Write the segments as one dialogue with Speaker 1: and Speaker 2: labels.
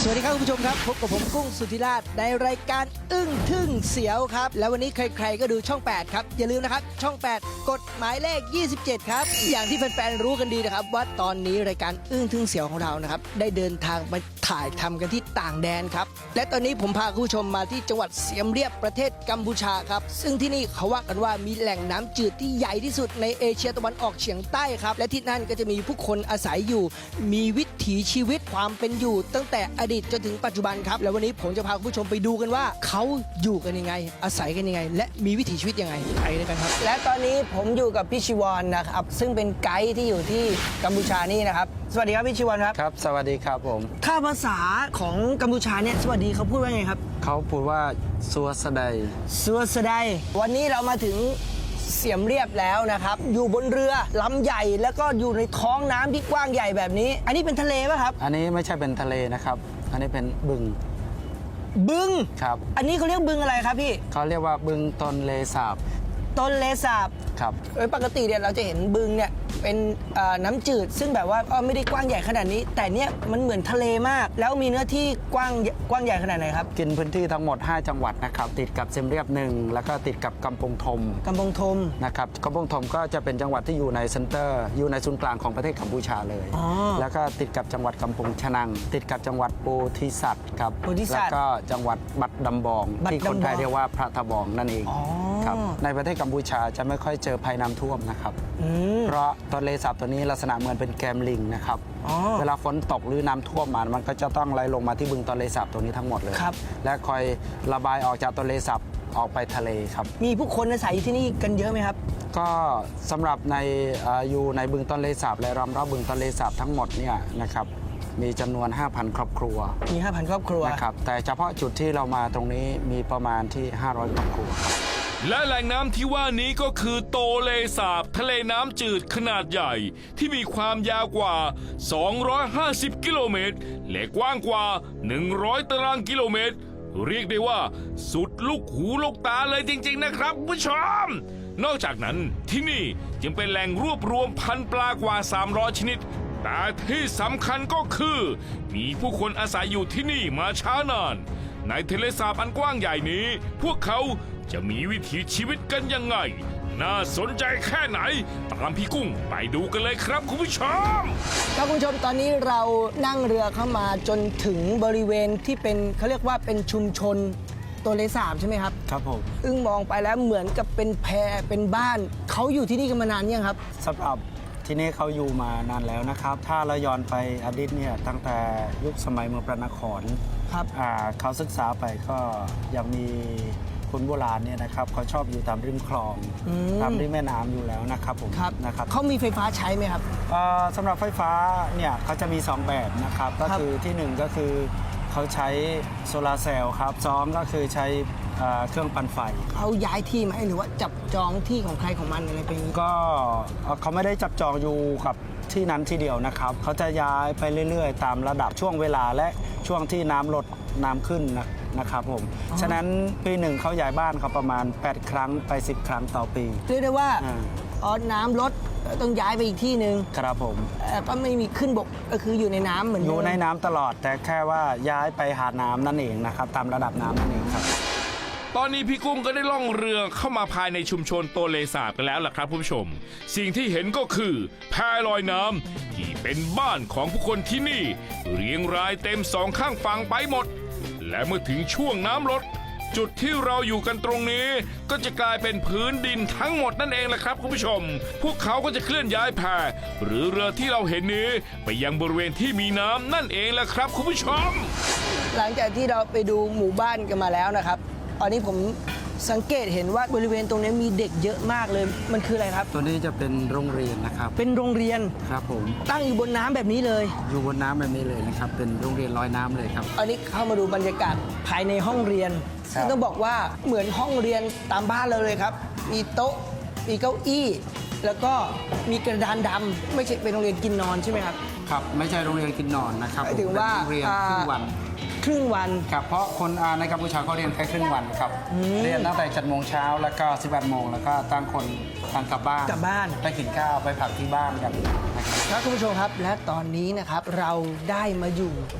Speaker 1: สวัสดีครับคุณผู้ชมครับพบกับผมกุ้งสุธิราชในรายการอึ้งทึ่งเสียวครับแล้ววันนี้ใครๆก็ดูช่อง 8 ครับอย่าลืมนะครับช่อง 8 กดหมายเลข 27 ครับอย่างที่แฟนๆรู้กันดีนะครับว่าตอนนี้รายการอึ้งทึ่งเสียวของเรานะครับได้เดินทางไปถ่ายทำกันที่ต่างแดนครับและตอนนี้ผมพาคุณผู้ชมมาที่จังหวัดเสียมเรียบประเทศกัมพูชาครับซึ่งที่นี่เขาว่ากันว่ามีแหล่งน้ำจืดที่ใหญ่ที่สุดในเอเชียตะวันออกเฉียงใต้ครับและที่นั่นก็จะมีผู้คนอาศัยอยู่มีวิถีชีวิตความเป็นอยู่ตั้งแต่อดีตจนถึงปัจจุบันครับแล้ววันนี้ผมจะพาคุณผู้ชมไปดูกันว่าเขาอยู่กันยังไงอาศัยกันยังไงและมีวิถีชีวิตยังไงไปด้วยกันครับและตอนนี้ผมอยู่กับพี่ชิวรนะครับซึ่งเป็นไกด์ที่อยู่ที่กัมพูชานี่นะครับสวัสดีครับพี่ชิวรครับ
Speaker 2: ครับสวัสดีครับผม
Speaker 1: ถ้าภาษาของกัมพูชาเนี่ยสวัสดีเขาพูดว่าไงครับ
Speaker 2: เขาพูดว่าซัวสะได
Speaker 1: ซัวสะไดวันนี้เรามาถึงเสียมเรียบแล้วนะครับอยู่บนเรือลำใหญ่แล้วก็อยู่ในท้องน้ำที่กว้างใหญ่แบบนี้อันนี้เป็นทะเลป่ะครับ
Speaker 2: อันนี้ไม่ใช่เป็นทะเลนะครับอันนี้เป็นบึงครับ
Speaker 1: อันนี้เขาเรียกบึงอะไรครับพี่
Speaker 2: เขาเรียกว่าบึงตนเลสาบ
Speaker 1: ต้นเลสาบ
Speaker 2: ครับ
Speaker 1: ปกติเนี่ยเราจะเห็นบึงเนี่ยเป็นน้ำจืดซึ่งแบบว่าไม่ได้กว้างใหญ่ขนาดนี้แต่เนี่ยมันเหมือนทะเลมากแล้วมีเนื้อที่กว้างใหญ่ขนาดไหนครับ
Speaker 2: กินพื้นที่ทั้งหมด5จังหวัดนะครับติดกับเซมเรียบ1แล้วก็ติดกับกำปงธมนะครับกำปงธมก็จะเป็นจังหวัดที่อยู่ในเซ็นเตอร์อยู่ในศูนย์กลางของประเทศกัมพูชาเลยแล้วก็ติดกับจังหวัดกำปงชะนังติดกับจังหวัดโพธิสัตว์ครับแล้วก็จังหวัดบัดดำบองที่คนไทยเรียกว่าพระทบองนั่นเองครับในประเทศกัมพูชาจะไม่ค่อยเจอภัยน้ำท่วมนะครับเพราะต้นเลสาบตัวนี้ลักษณะเหมือนเป็นแกมลิงนะครับเวลาฝนตกหรือน้ำท่วมมันก็จะต้องไหลลงมาที่บึงต้นเลสาบตัวนี้ทั้งหมดเลยและคอยระบายออกจากต้นเลสาบออกไปทะเลครับ
Speaker 1: มีผู้คนอาศัยอยู่ที่นี่กันเยอะไหมครับ
Speaker 2: ก็สำหรับในอยู่ในบึงต้นเลสาบและรอบบึงต้นเลสาบทั้งหมดเนี่ยนะครับมีจำนวน 5,000 ครอบครัว
Speaker 1: มี 5,000 ครอบครัว
Speaker 2: นะครับแต่เฉพาะจุดที่เรามาตรงนี้มีประมาณที่500 ครอบครัว
Speaker 3: และแหล่งน้ำที่ว่านี้ก็คือโตเลสาบทะเลน้ำจืดขนาดใหญ่ที่มีความยาวกว่า250 กิโลเมตรและกว้างกว่า100 ตารางกิโลเมตรเรียกได้ว่าสุดลูกหูลูกตาเลยจริงๆนะครับผู้ชมนอกจากนั้นที่นี่จึงเป็นแหล่งรวบรวมพันธุ์ปลากว่า300ชนิดแต่ที่สำคัญก็คือมีผู้คนอาศัยอยู่ที่นี่มาช้านานในทะเลสาบอันกว้างใหญ่นี้พวกเขาจะมีวิถีชีวิตกันยังไงน่าสนใจแค่ไหนตามพี่กุ้งไปดูกันเลยครับคุณผู้ชม
Speaker 1: ครับคุณผู้ชมตอนนี้เรานั่งเรือเข้ามาจนถึงบริเวณที่เป็นเขาเรียกว่าเป็นชุมชนตัวเลสาบใช่ไหมครับ
Speaker 2: ครับผม
Speaker 1: อึ้งมองไปแล้วเหมือนกับเป็นแพเป็นบ้านเขาอยู่ที่นี่กันมานานยังครับ
Speaker 2: สำหรับที่นี่เขาอยู่มานานแล้วนะครับถ้าเราย้อนไปอดีตเนี่ยตั้งแต่ยุคสมัยเมืองพระนคร
Speaker 1: ครับ
Speaker 2: เขาศึกษาไปก็ยังมีคนโบราณเนี่ยนะครับเขาชอบอยู่ตามริมคลองตามริมแม่น้ำอยู่แล้วนะครับผม
Speaker 1: นะครับเขามีไฟฟ้าใช้ไหมครับ
Speaker 2: สำหรับไฟฟ้าเนี่ยเขาจะมี2แบบนะครับก็คือที่1ก็คือเขาใช้โซลาร์เซลล์ครับ2ก็คือใช้เครื่องปั่นไฟ
Speaker 1: เขาย้ายที่ไหมหรือว่าจับจองที่ของใครของมันอะไรไป
Speaker 2: ก็เขาไม่ได้จับจองอยู่กับที่นั้นที่เดียวนะครับเขาจะย้ายไปเรื่อยๆตามระดับช่วงเวลาและช่วงที่น้ำลดน้ำขึ้นนะครับผมฉะนั้นปีหนึ่งเขาย้ายบ้านเขาประมาณ8 ครั้งไป10 ครั้งต่อปี
Speaker 1: เรียกได้ว่าน้ำลดต้องย้ายไปอีกที่หนึ่ง
Speaker 2: ครับผม
Speaker 1: ก็ไม่มีขึ้นบกก็คืออยู่ในน้ำเหมือน
Speaker 2: อยู่ในน้ำตลอดแต่แค่ว่าย้ายไปหาน้ำนั่นเองนะครับตามระดับน้ำนั่นเองครับ
Speaker 3: ตอนนี้พี่กุ้งก็ได้ล่องเรือเข้ามาภายในชุมชนโตเลสาบกันแล้วล่ะครับผู้ชมสิ่งที่เห็นก็คือแพลอยน้ำที่เป็นบ้านของผู้คนที่นี่เรียงรายเต็ม2 ข้างฝั่งไปหมดและเมื่อถึงช่วงน้ำลดจุดที่เราอยู่กันตรงนี้ก็จะกลายเป็นพื้นดินทั้งหมดนั่นเองแหละครับคุณผู้ชมพวกเขาก็จะเคลื่อนย้ายแพหรือเรือที่เราเห็นนี้ไปยังบริเวณที่มีน้ำนั่นเองแหละครับคุณผู้ชม
Speaker 1: หลังจากที่เราไปดูหมู่บ้านกันมาแล้วนะครับตอนนี้ผมสังเกตเห็นว่าบริเวณตรงนี้มีเด็กเยอะมากเลยมันคืออะไรครับ
Speaker 2: ตัวนี้จะเป็นโรงเรียนนะครับ
Speaker 1: เป็นโรงเรียน
Speaker 2: ครับผม
Speaker 1: ตั้งอยู่บนน้ำแบบนี้เลย
Speaker 2: อยู่บนน้ำแบบนี้เลยนะครับเป็นโรงเรียนลอยน้ำเลยครับ
Speaker 1: อันนี้เข้ามาดูบรรยากาศภายในห้องเรียนซึ่งต้องบอกว่าเหมือนห้องเรียนตามบ้านเราเลยครับมีโต๊ะมีเก้าอี้แล้วก็มีกระดานดำไม่ใช่เป็นโรงเรียนกินนอนใช่ไหมครับ
Speaker 2: ครับไม่ใช่โรงเรียนกินนอนนะครับ
Speaker 1: ถึงว่า
Speaker 2: โรงเรียนครึ่งวันครับเพราะคนในกัมพูชาเขาเรียนแค่ครึ่งวันครับเรียนตั้งแต่7 โมงเช้าแล้วก็11 โมงแล้วก็ตั้งคนต่างกลับบ้านไปกินข้าวไปพักที่บ้านกัน
Speaker 1: ครับคุณผู้ชมครับและตอนนี้นะครับเราได้มาอยู่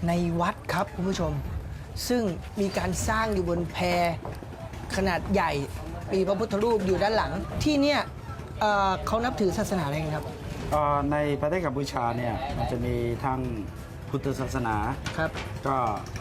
Speaker 1: ในวัดครับคุณผู้ชม ซึ่งมีการสร้างอยู่บนแพขนาดใหญ่มีพระพุทธรูปอยู่ด้านหลังที่เนี่ยเขานับถือศาสนาอะไรกันครับ
Speaker 2: ในประเทศกัมพูชาเนี่ยมันจะมีทั้งพุทธศาสนา
Speaker 1: ครับ
Speaker 2: ก็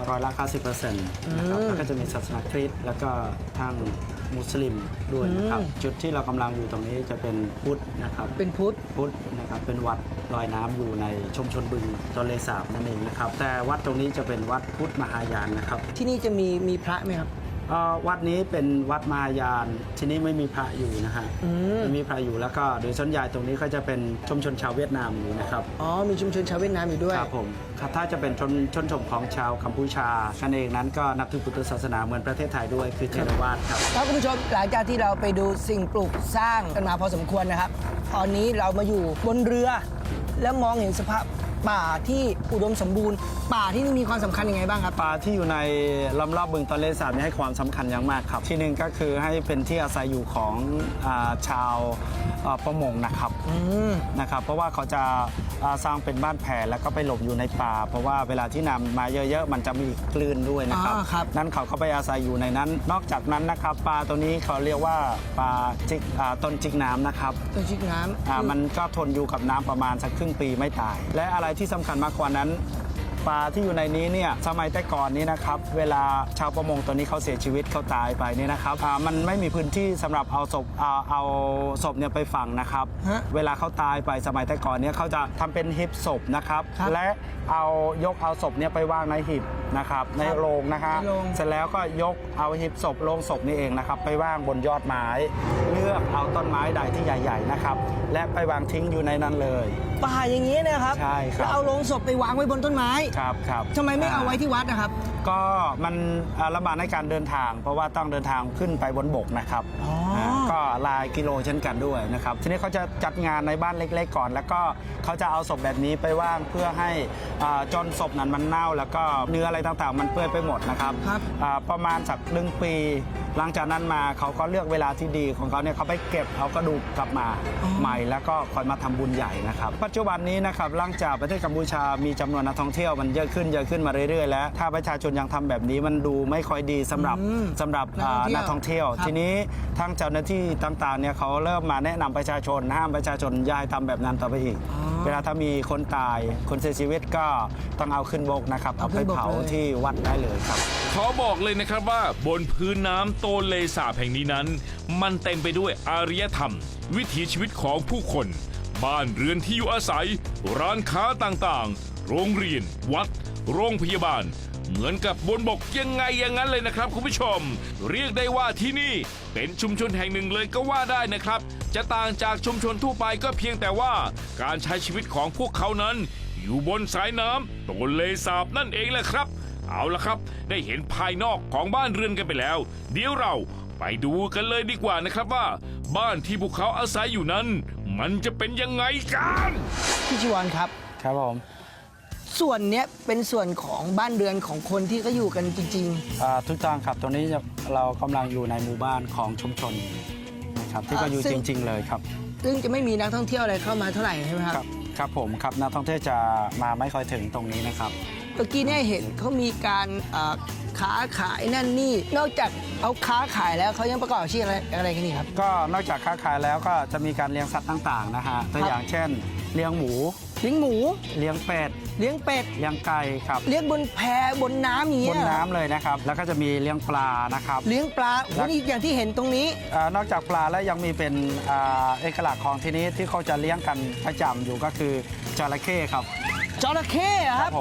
Speaker 2: 90%นะครับแล้วก็จะมีศาสนาคริสต์แล้วก็ทางมุสลิมด้วยนะครับจุดที่เรากำลังอยู่ตรงนี้จะเป็นพุทธนะครับ
Speaker 1: เป็นพุทธ
Speaker 2: นะครับเป็นวัดลอยน้ำอยู่ในชุมชนบึงตนเลสาบนั่นเองนะครับแต่วัดตรงนี้จะเป็นวัดพุทธมหายานนะครับ
Speaker 1: ที่นี่จะมีพระไหมครับ
Speaker 2: วัดนี้เป็นวัดมหายานที่นี่ไม่มีพระอยู่นะฮะไม่มีพระอยู่แล้วก็โดยส่วนใหญ่ตรงนี้ก็จะเป็นชุมชนชาวเวียดนามอยู่นะครับ
Speaker 1: อ๋อมีชุมชนชาวเวียดนามอยู่ด้วย
Speaker 2: ครับผมครับถ้าจะเป็นชนของชาวกัมพูชากันเองนั้นก็นับถือพุทธศาสนาเหมือนประเทศไทยด้วยคือเทรวาสครับ
Speaker 1: ครับคุณผู้ชมหลังจากที่เราไปดูสิ่งปลูกสร้างกันมาพอสมควรนะครับ ตอนนี้เรามาอยู่บนเรือ แล้วมองเห็นสภาพป่าที่อุดมสมบูรณ์ ป่าที่นี่มีความสำคัญยังไงบ้างครับ
Speaker 2: ป่าที่อยู่ในล้อมรอบบึงตอนเลสาบนี่ให้ความสำคัญอย่างมากครับที่หนึ่งก็คือให้เป็นที่อาศัยอยู่ของชาวประมงนะครับเพราะว่าเขาจะสร้างเป็นบ้านแผ่แล้วก็ไปหลบอยู่ในป่า เพราะว่าเวลาที่น้ำมาเยอะๆมันจะมีคลื่นด้วยนะครับ นั้นเขาก็ไปอาศัยอยู่ในนั้น นอกจากนั้นนะครับปลาตัวนี้เขาเรียกว่าปลาจิกต้นจิกน้ำนะครับ
Speaker 1: ต้นจิกน้ำ
Speaker 2: มันก็ทนอยู่กับน้ำประมาณสักครึ่งปีไม่ตาย และอะไรที่สำคัญมากกว่านั้นปลาที่อยู่ในนี้เนี่ยสมัยแต่ก่อนนี้นะครับเวลาชาวประมงตัวนี้เขาเสียชีวิตเขาตายไปเนี่ยนะครับมันไม่มีพื้นที่สำหรับเอาศพเนี่ยไปฝังนะครับเวลาเขาตายไปสมัยแต่ก่อนเนี่ยเขาจะทำเป็นหีบศพนะครับและยกเอาศพเนี่ยไปวางในหีบนะครับในโรงนะครับเสร็จแล้วก็ยกเอาหีบศพโรงศพนี่เองนะครับไปวางบนยอดไม้เลือกเอาต้นไม้ใดที่ใหญ่ๆนะครับและไปวางทิ้งอยู่ในนั้นเลย
Speaker 1: ป่าอย่างนี้นะครับ
Speaker 2: ใช่ครับ
Speaker 1: แล้วเอาโลงศพไปวางไว้บนต้นไม้
Speaker 2: ครับ
Speaker 1: ทำไมไม่เอาไว้ที่วัดนะครับ
Speaker 2: ก็มันลำบากในการเดินทางเพราะว่าต้องเดินทางขึ้นไปบนบกนะครับก็หลายกิโลเช่นกันด้วยนะครับทีนี้เขาจะจัดงานในบ้านเล็กๆก่อนแล้วก็เขาจะเอาศพแบบนี้ไปว่างเพื่อให้จนศพนั้นมันเน่าแล้วก็เนื้ออะไรต่างๆมันเปื่อยไปหมดนะครับประมาณสัก1 ปีหลังจากนั้นมาเขาก็เลือกเวลาที่ดีของเขาเนี่ยเขาไปเก็บเอากระดูกกลับมาใหม่แล้วก็คอยมาทำบุญใหญ่นะครับปัจจุบันนี้นะครับหลังจากประเทศกัมพูชามีจำนวนนักท่องเที่ยวมันเยอะขึ้นมาเรื่อยๆแล้วถ้าประชาชนยังทำแบบนี้มันดูไม่ค่อยดีสำหรับนักท่องเที่ยวทีนี้ทางเจ้าหน้าที่ต่างๆเนี่ยเขาเริ่มมาแนะนำประชาชนห้ามประชาชนอย่าให้ทำแบบนั้นต่อไปอีกเวลาถ้ามีคนตายคนเสียชีวิตก็ต้องเอาขึ้นบกนะครับเอาไปเผาที่วัดได้เลยครับ
Speaker 3: ขอบอกเลยนะครับว่าบนพื้นน้ำโตนเลสาบแห่งนี้นั้นมันเต็มไปด้วยอารยธรรมวิถีชีวิตของผู้คนบ้านเรือนที่อยู่อาศัยร้านค้าต่างๆโรงเรียนวัดโรงพยาบาลเหมือนกับบนบกยังไงอย่างนั้นเลยนะครับคุณผู้ชมเรียกได้ว่าที่นี่เป็นชุมชนแห่งหนึ่งเลยก็ว่าได้นะครับจะต่างจากชุมชนทั่วไปก็เพียงแต่ว่าการใช้ชีวิตของพวกเขานั้นอยู่บนสายน้ำโตนเลสาบนั่นเองแหละครับเอาละครับได้เห็นภายนอกของบ้านเรือนกันไปแล้วเดี๋ยวเราไปดูกันเลยดีกว่านะครับว่าบ้านที่พวกเขาอาศัยอยู่นั้นมันจะเป็นยังไงกัน
Speaker 1: พี่ชิวรครับ
Speaker 2: ครับผม
Speaker 1: ส่วนเนี้ยเป็นส่วนของบ้านเรือนของคนที่เขาอยู่กันจริง
Speaker 2: ๆถูกต้องครับตรงนี้เรากำลังอยู่ในหมู่บ้านของชุมชนนะครับที่ก็อยู่จริงๆเลยครับ
Speaker 1: ซึ่งจะไม่มีนักท่องเที่ยวอะไรเข้ามาเท่าไหร่ใช่ไหมครับ
Speaker 2: ครับผมครับนักท่องเที่ยวจะมาไม่ค่อยถึงตรงนี้นะครับ
Speaker 1: เมื่อกี้เนี่ยเห็นเขามีการค้าขายนั่นนี่นอกจากเอาค้าขายแล้วเขายังประกอบอาชีพอะไรกันนี่ครับ
Speaker 2: ก็นอกจากค้าขายแล้วก็จะมีการเลี้ยงสัตว์ต่างๆนะฮะตัวอย่างเช่นเลี้ยงหมู
Speaker 1: เ
Speaker 2: ลี้ยงเป็ด
Speaker 1: เลี้ยง
Speaker 2: ไก่ครับ
Speaker 1: เลี้ยงบนแพบนน้ำอย่างเงี้ย
Speaker 2: บนน้ำเลยนะครับแล้วก็จะมีเลี้ยงปลานะครับ
Speaker 1: เลี้ยงปลาวันนี้อย่างที่เห็นตรงนี้
Speaker 2: นอกจากปลาแล้วยังมีเป็นเอกลักษณ์ของที่นี้ที่เขาจะเลี้ยงกันประจำอยู่ก็คือจระเข้ครับ
Speaker 1: จระเข้ครับ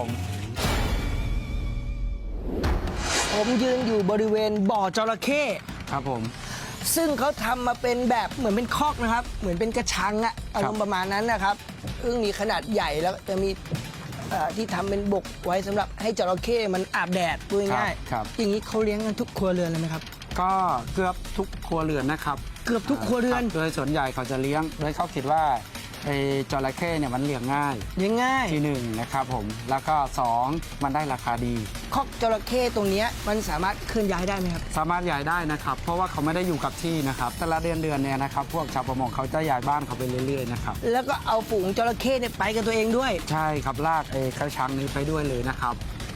Speaker 1: ผมยืนอยู่บริเวณบ่อจระเข้
Speaker 2: ครับผม
Speaker 1: ซึ่งเขาทำมาเป็นแบบเหมือนเป็นคอกนะครับเหมือนเป็นกระชังอะอารมณ์ประมาณนั้นนะครับซึ่งมีขนาดใหญ่แล้วจะมีที่ทำเป็นบกไว้สำหรับให้จระเข้มันอาบแดดพูดง่ายๆอย่างนี้เขาเลี้ยงกันทุกครัวเรือนเลยไหมครับ
Speaker 2: ก็เกือบทุกครัวเรือนนะครับ
Speaker 1: เกือบทุกครัวเรือน
Speaker 2: โดยส่วนใหญ่เขาจะเลี้ยงโดยเขาคิดว่าจระเข้เนี่ยมันเลี้ยงง่ายที่1นะครับผมแล้วก็2มันได้ราคาดี
Speaker 1: คอกจระเข้ตรงนี้มันสามารถเคลื่อนย้ายได้ไหมครับ
Speaker 2: สามารถย้ายได้นะครับเพราะว่าเขาไม่ได้อยู่กับที่นะครับแต่ละเดือนเนี่ยนะครับพวกชาวประมงเขาจะย้ายบ้านเขาไปเรื่อยๆนะครับ
Speaker 1: แล้วก็เอาฝูงจระเข้เนี่ยไปกับตัวเองด้วย
Speaker 2: ใช่ครับลากกระชังนี้ไปด้วยเลยนะครับ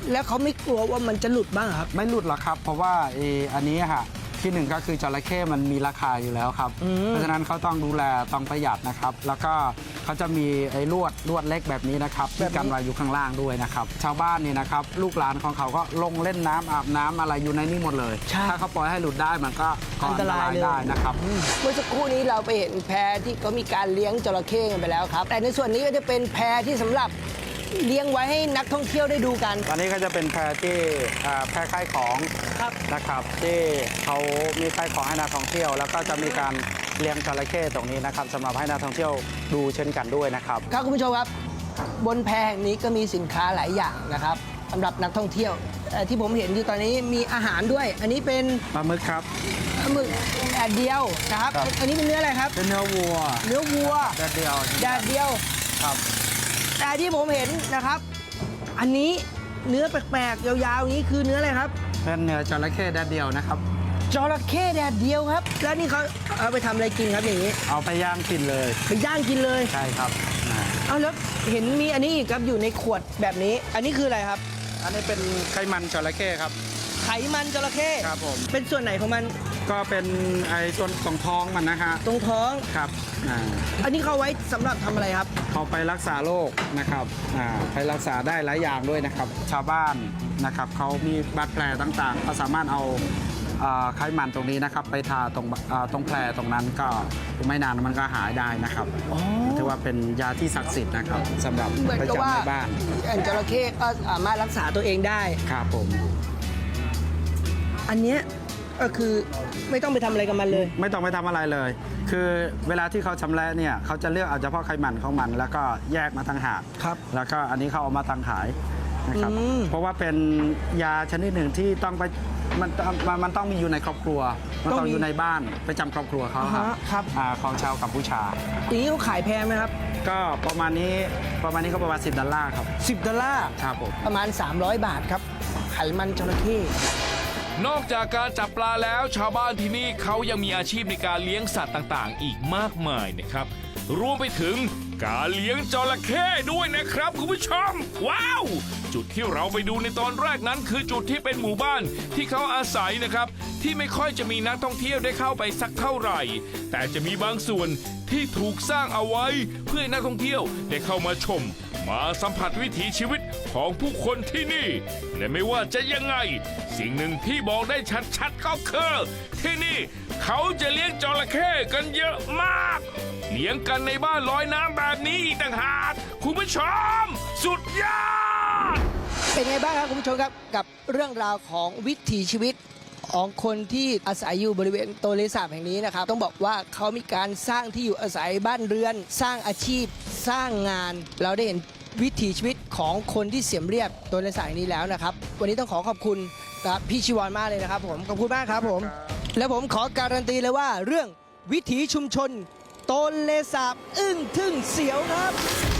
Speaker 1: แล้วเขาไม่กลัวว่ามันจะหลุดบ้างครับ
Speaker 2: ไม่หลุดหรอกครับ เพราะว่าอันนี้ค่ะที่หนึ่งก็คือจระเข้มันมีราคาอยู่แล้วครับ เพราะฉะนั้นเขาต้องดูแลต้องประหยัดนะครับ แล้วก็เขาจะมีไอ้ลวดเล็กแบบนี้นะครับที่กันไว้อยู่ข้างล่างด้วยนะครับ ชาวบ้านนี่นะครับลูกหลานของเขาก็ลงเล่นน้ำอาบน้ำอะไรอยู่ในนี้หมดเลย
Speaker 1: ใช่
Speaker 2: ถ้าเขาปล่อยให้หลุดได้มันก็ก่อ
Speaker 1: อั
Speaker 2: อั
Speaker 1: น
Speaker 2: น
Speaker 1: ต
Speaker 2: ต
Speaker 1: ราร
Speaker 2: าย ย
Speaker 1: เลย
Speaker 2: ได้นะครับ
Speaker 1: เมื่อสักครู่นี้เราไปเห็นแพที่เขามีการเลี้ยงจระเข้กันไปแล้วครับ แต่ในส่วนนี้ก็จะเป็นแพที่สำหรับเลี้ยงไว้ให้นักท่องเที่ยวได้ดูกัน
Speaker 2: ตอนนี้ก็จะเป็นแพที่แพขายของ
Speaker 1: ครับ
Speaker 2: นะครับที่เขามีขายของให้นักท่องเที่ยว แล้วก็จะมีการเลี้ยงจระเข้ตรงนี้นะครับสำหรับให้นักท่องเที่ยวดูเช่นกันด้วยนะครับ
Speaker 1: ครับคุณผู้ชมครับบนแพแห่งนี้ก็มีสินค้าหลายอย่างนะครับสำหรับนักท่องเที่ยวที่ผมเห็นอยู่ตอนนี้มีอาหารด้วย อันนี้เป็น
Speaker 2: ปลาหมึกครับ
Speaker 1: ปลาหมึกแดดเดียวนะครับ
Speaker 2: ครับ
Speaker 1: อันนี้เป็นเนื้ออะไรครับ
Speaker 2: เป็นเนื้อวัว
Speaker 1: เนื้อวัว
Speaker 2: แดดเดียว
Speaker 1: แดดเดียว
Speaker 2: ครับ
Speaker 1: แต่ที่ผมเห็นนะครับ อันนี้เนื้อแปลกๆยาวๆนี้คือเนื้ออะไรครับ
Speaker 2: เป็นเนื้อจระเข้แดดเดียวนะครับ
Speaker 1: จระเข้แดดเดียวครับ แล้วนี่เขาเอาไปทำอะไรกินครับอย่างนี้
Speaker 2: เอาไปย่างกินเลย
Speaker 1: ไปย่างกินเลย
Speaker 2: ใช่ครับอ่า
Speaker 1: เอาแล้วเห็นมีอันนี้อีกครับอยู่ในขวดแบบนี้ อันนี้คืออะไรครับ
Speaker 2: อันนี้เป็นไขมันจระเข้ครับ
Speaker 1: ไขมันจระเข้
Speaker 2: ครับผม
Speaker 1: เป็นส่วนไหนของมัน
Speaker 2: ก็เป็นไอ้ส่วนของท้องมันนะฮะ
Speaker 1: ตรงท้อง
Speaker 2: ครับอ่า
Speaker 1: อันนี้เขาไว้สำหรับทำอะไรครับ
Speaker 2: เขาไปรักษาโรคนะครับไปรักษาได้หลายอย่างด้วยนะครับ ชาวบ้านนะครับเขามีบาดแผลต่างๆเขาสามารถเอาไขมันตรงนี้นะครับ ไปทาตรงแผลตรงนั้นก็ไม่นานมันก็หายได้นะครับถือว่าเป็นยาที่ศักดิ์สิทธิ์นะครับสำหรับ
Speaker 1: เหมือน
Speaker 2: ประ
Speaker 1: กับว่า
Speaker 2: จำในบ้าน
Speaker 1: อันจระเข้ก็สามารถรักษาตัวเองได้
Speaker 2: ครับผม
Speaker 1: อันเนี้ยก็คือไม่ต้องไปทำอะไรกับมันเลย
Speaker 2: ไม่ต้องไปทำอะไรเลย คือเวลาที่เขาชำแหละเนี่ยเขาจะเลือกเอาเฉพาะไขมันของมัน แล้วก็แยกมาต่างหาก
Speaker 1: ครับ
Speaker 2: แล้วก็อันนี้เขาเอามาตั้งขายนะครับ เพราะว่าเป็นยาชนิดหนึ่งที่ต้องไปมันต้องมีอยู่ในครอบครัว มันต้องอยู่ในบ้านประจำครอบครัวเขา
Speaker 1: อ่าฮะครับ
Speaker 2: ของชาวกัมพูชา
Speaker 1: อย่างนี้เขาขายแพงไหมครับ
Speaker 2: ก็ประมาณนี้ก็ประมาณ$10ครับ
Speaker 1: $10
Speaker 2: ครับผม
Speaker 1: ประมาณ300 บาทครับ ไขมันจระเข้
Speaker 3: นอกจากการจับปลาแล้วชาวบ้านที่นี่เขายังมีอาชีพในการเลี้ยงสัตว์ต่างๆ อีกมากมายนะครับ รวมไปถึงการเลี้ยงจระเข้ด้วยนะครับคุณผู้ชม ว้าว จุดที่เราไปดูในตอนแรกนั้นคือจุดที่เป็นหมู่บ้านที่เขาอาศัยนะครับ ที่ไม่ค่อยจะมีนักท่องเที่ยวได้เข้าไปสักเท่าไหร่ แต่จะมีบางส่วนที่ถูกสร้างเอาไว้เพื่อให้นักท่องเที่ยวได้เข้ามาชม มาสัมผัสวิถีชีวิตของผู้คนที่นี่ และไม่ว่าจะยังไง สิ่งหนึ่งที่บอกได้ชัดๆก็คือที่นี่เขาจะเลี้ยงจระเข้กันเยอะมาก เลี้ยงกันในบ้านลอยน้ำแบบนี้อีกต่างหากคุณผู้ชม สุดยอด
Speaker 1: เป็นไงบ้างครับคุณผู้ชมครับกับเรื่องราวของวิถีชีวิตของคนที่อาศัยอยู่บริเวณโตเลสาบแห่งนี้นะครับต้องบอกว่าเขามีการสร้างที่อยู่อาศัยบ้านเรือน สร้างอาชีพ สร้างงาน เราได้เห็นวิถีชีวิตของคนที่เสียมเรียบโตเลสาบแห่งนี้แล้วนะครับวันนี้ต้องขอบคุณนะครับพี่ชิวอนมากเลยนะครับผมขอบคุณมากครับผมและผมขอการันตีเลยว่าเรื่องวิถีชุมชนโตเลสาบอึ้งทึ่งเสียวครับ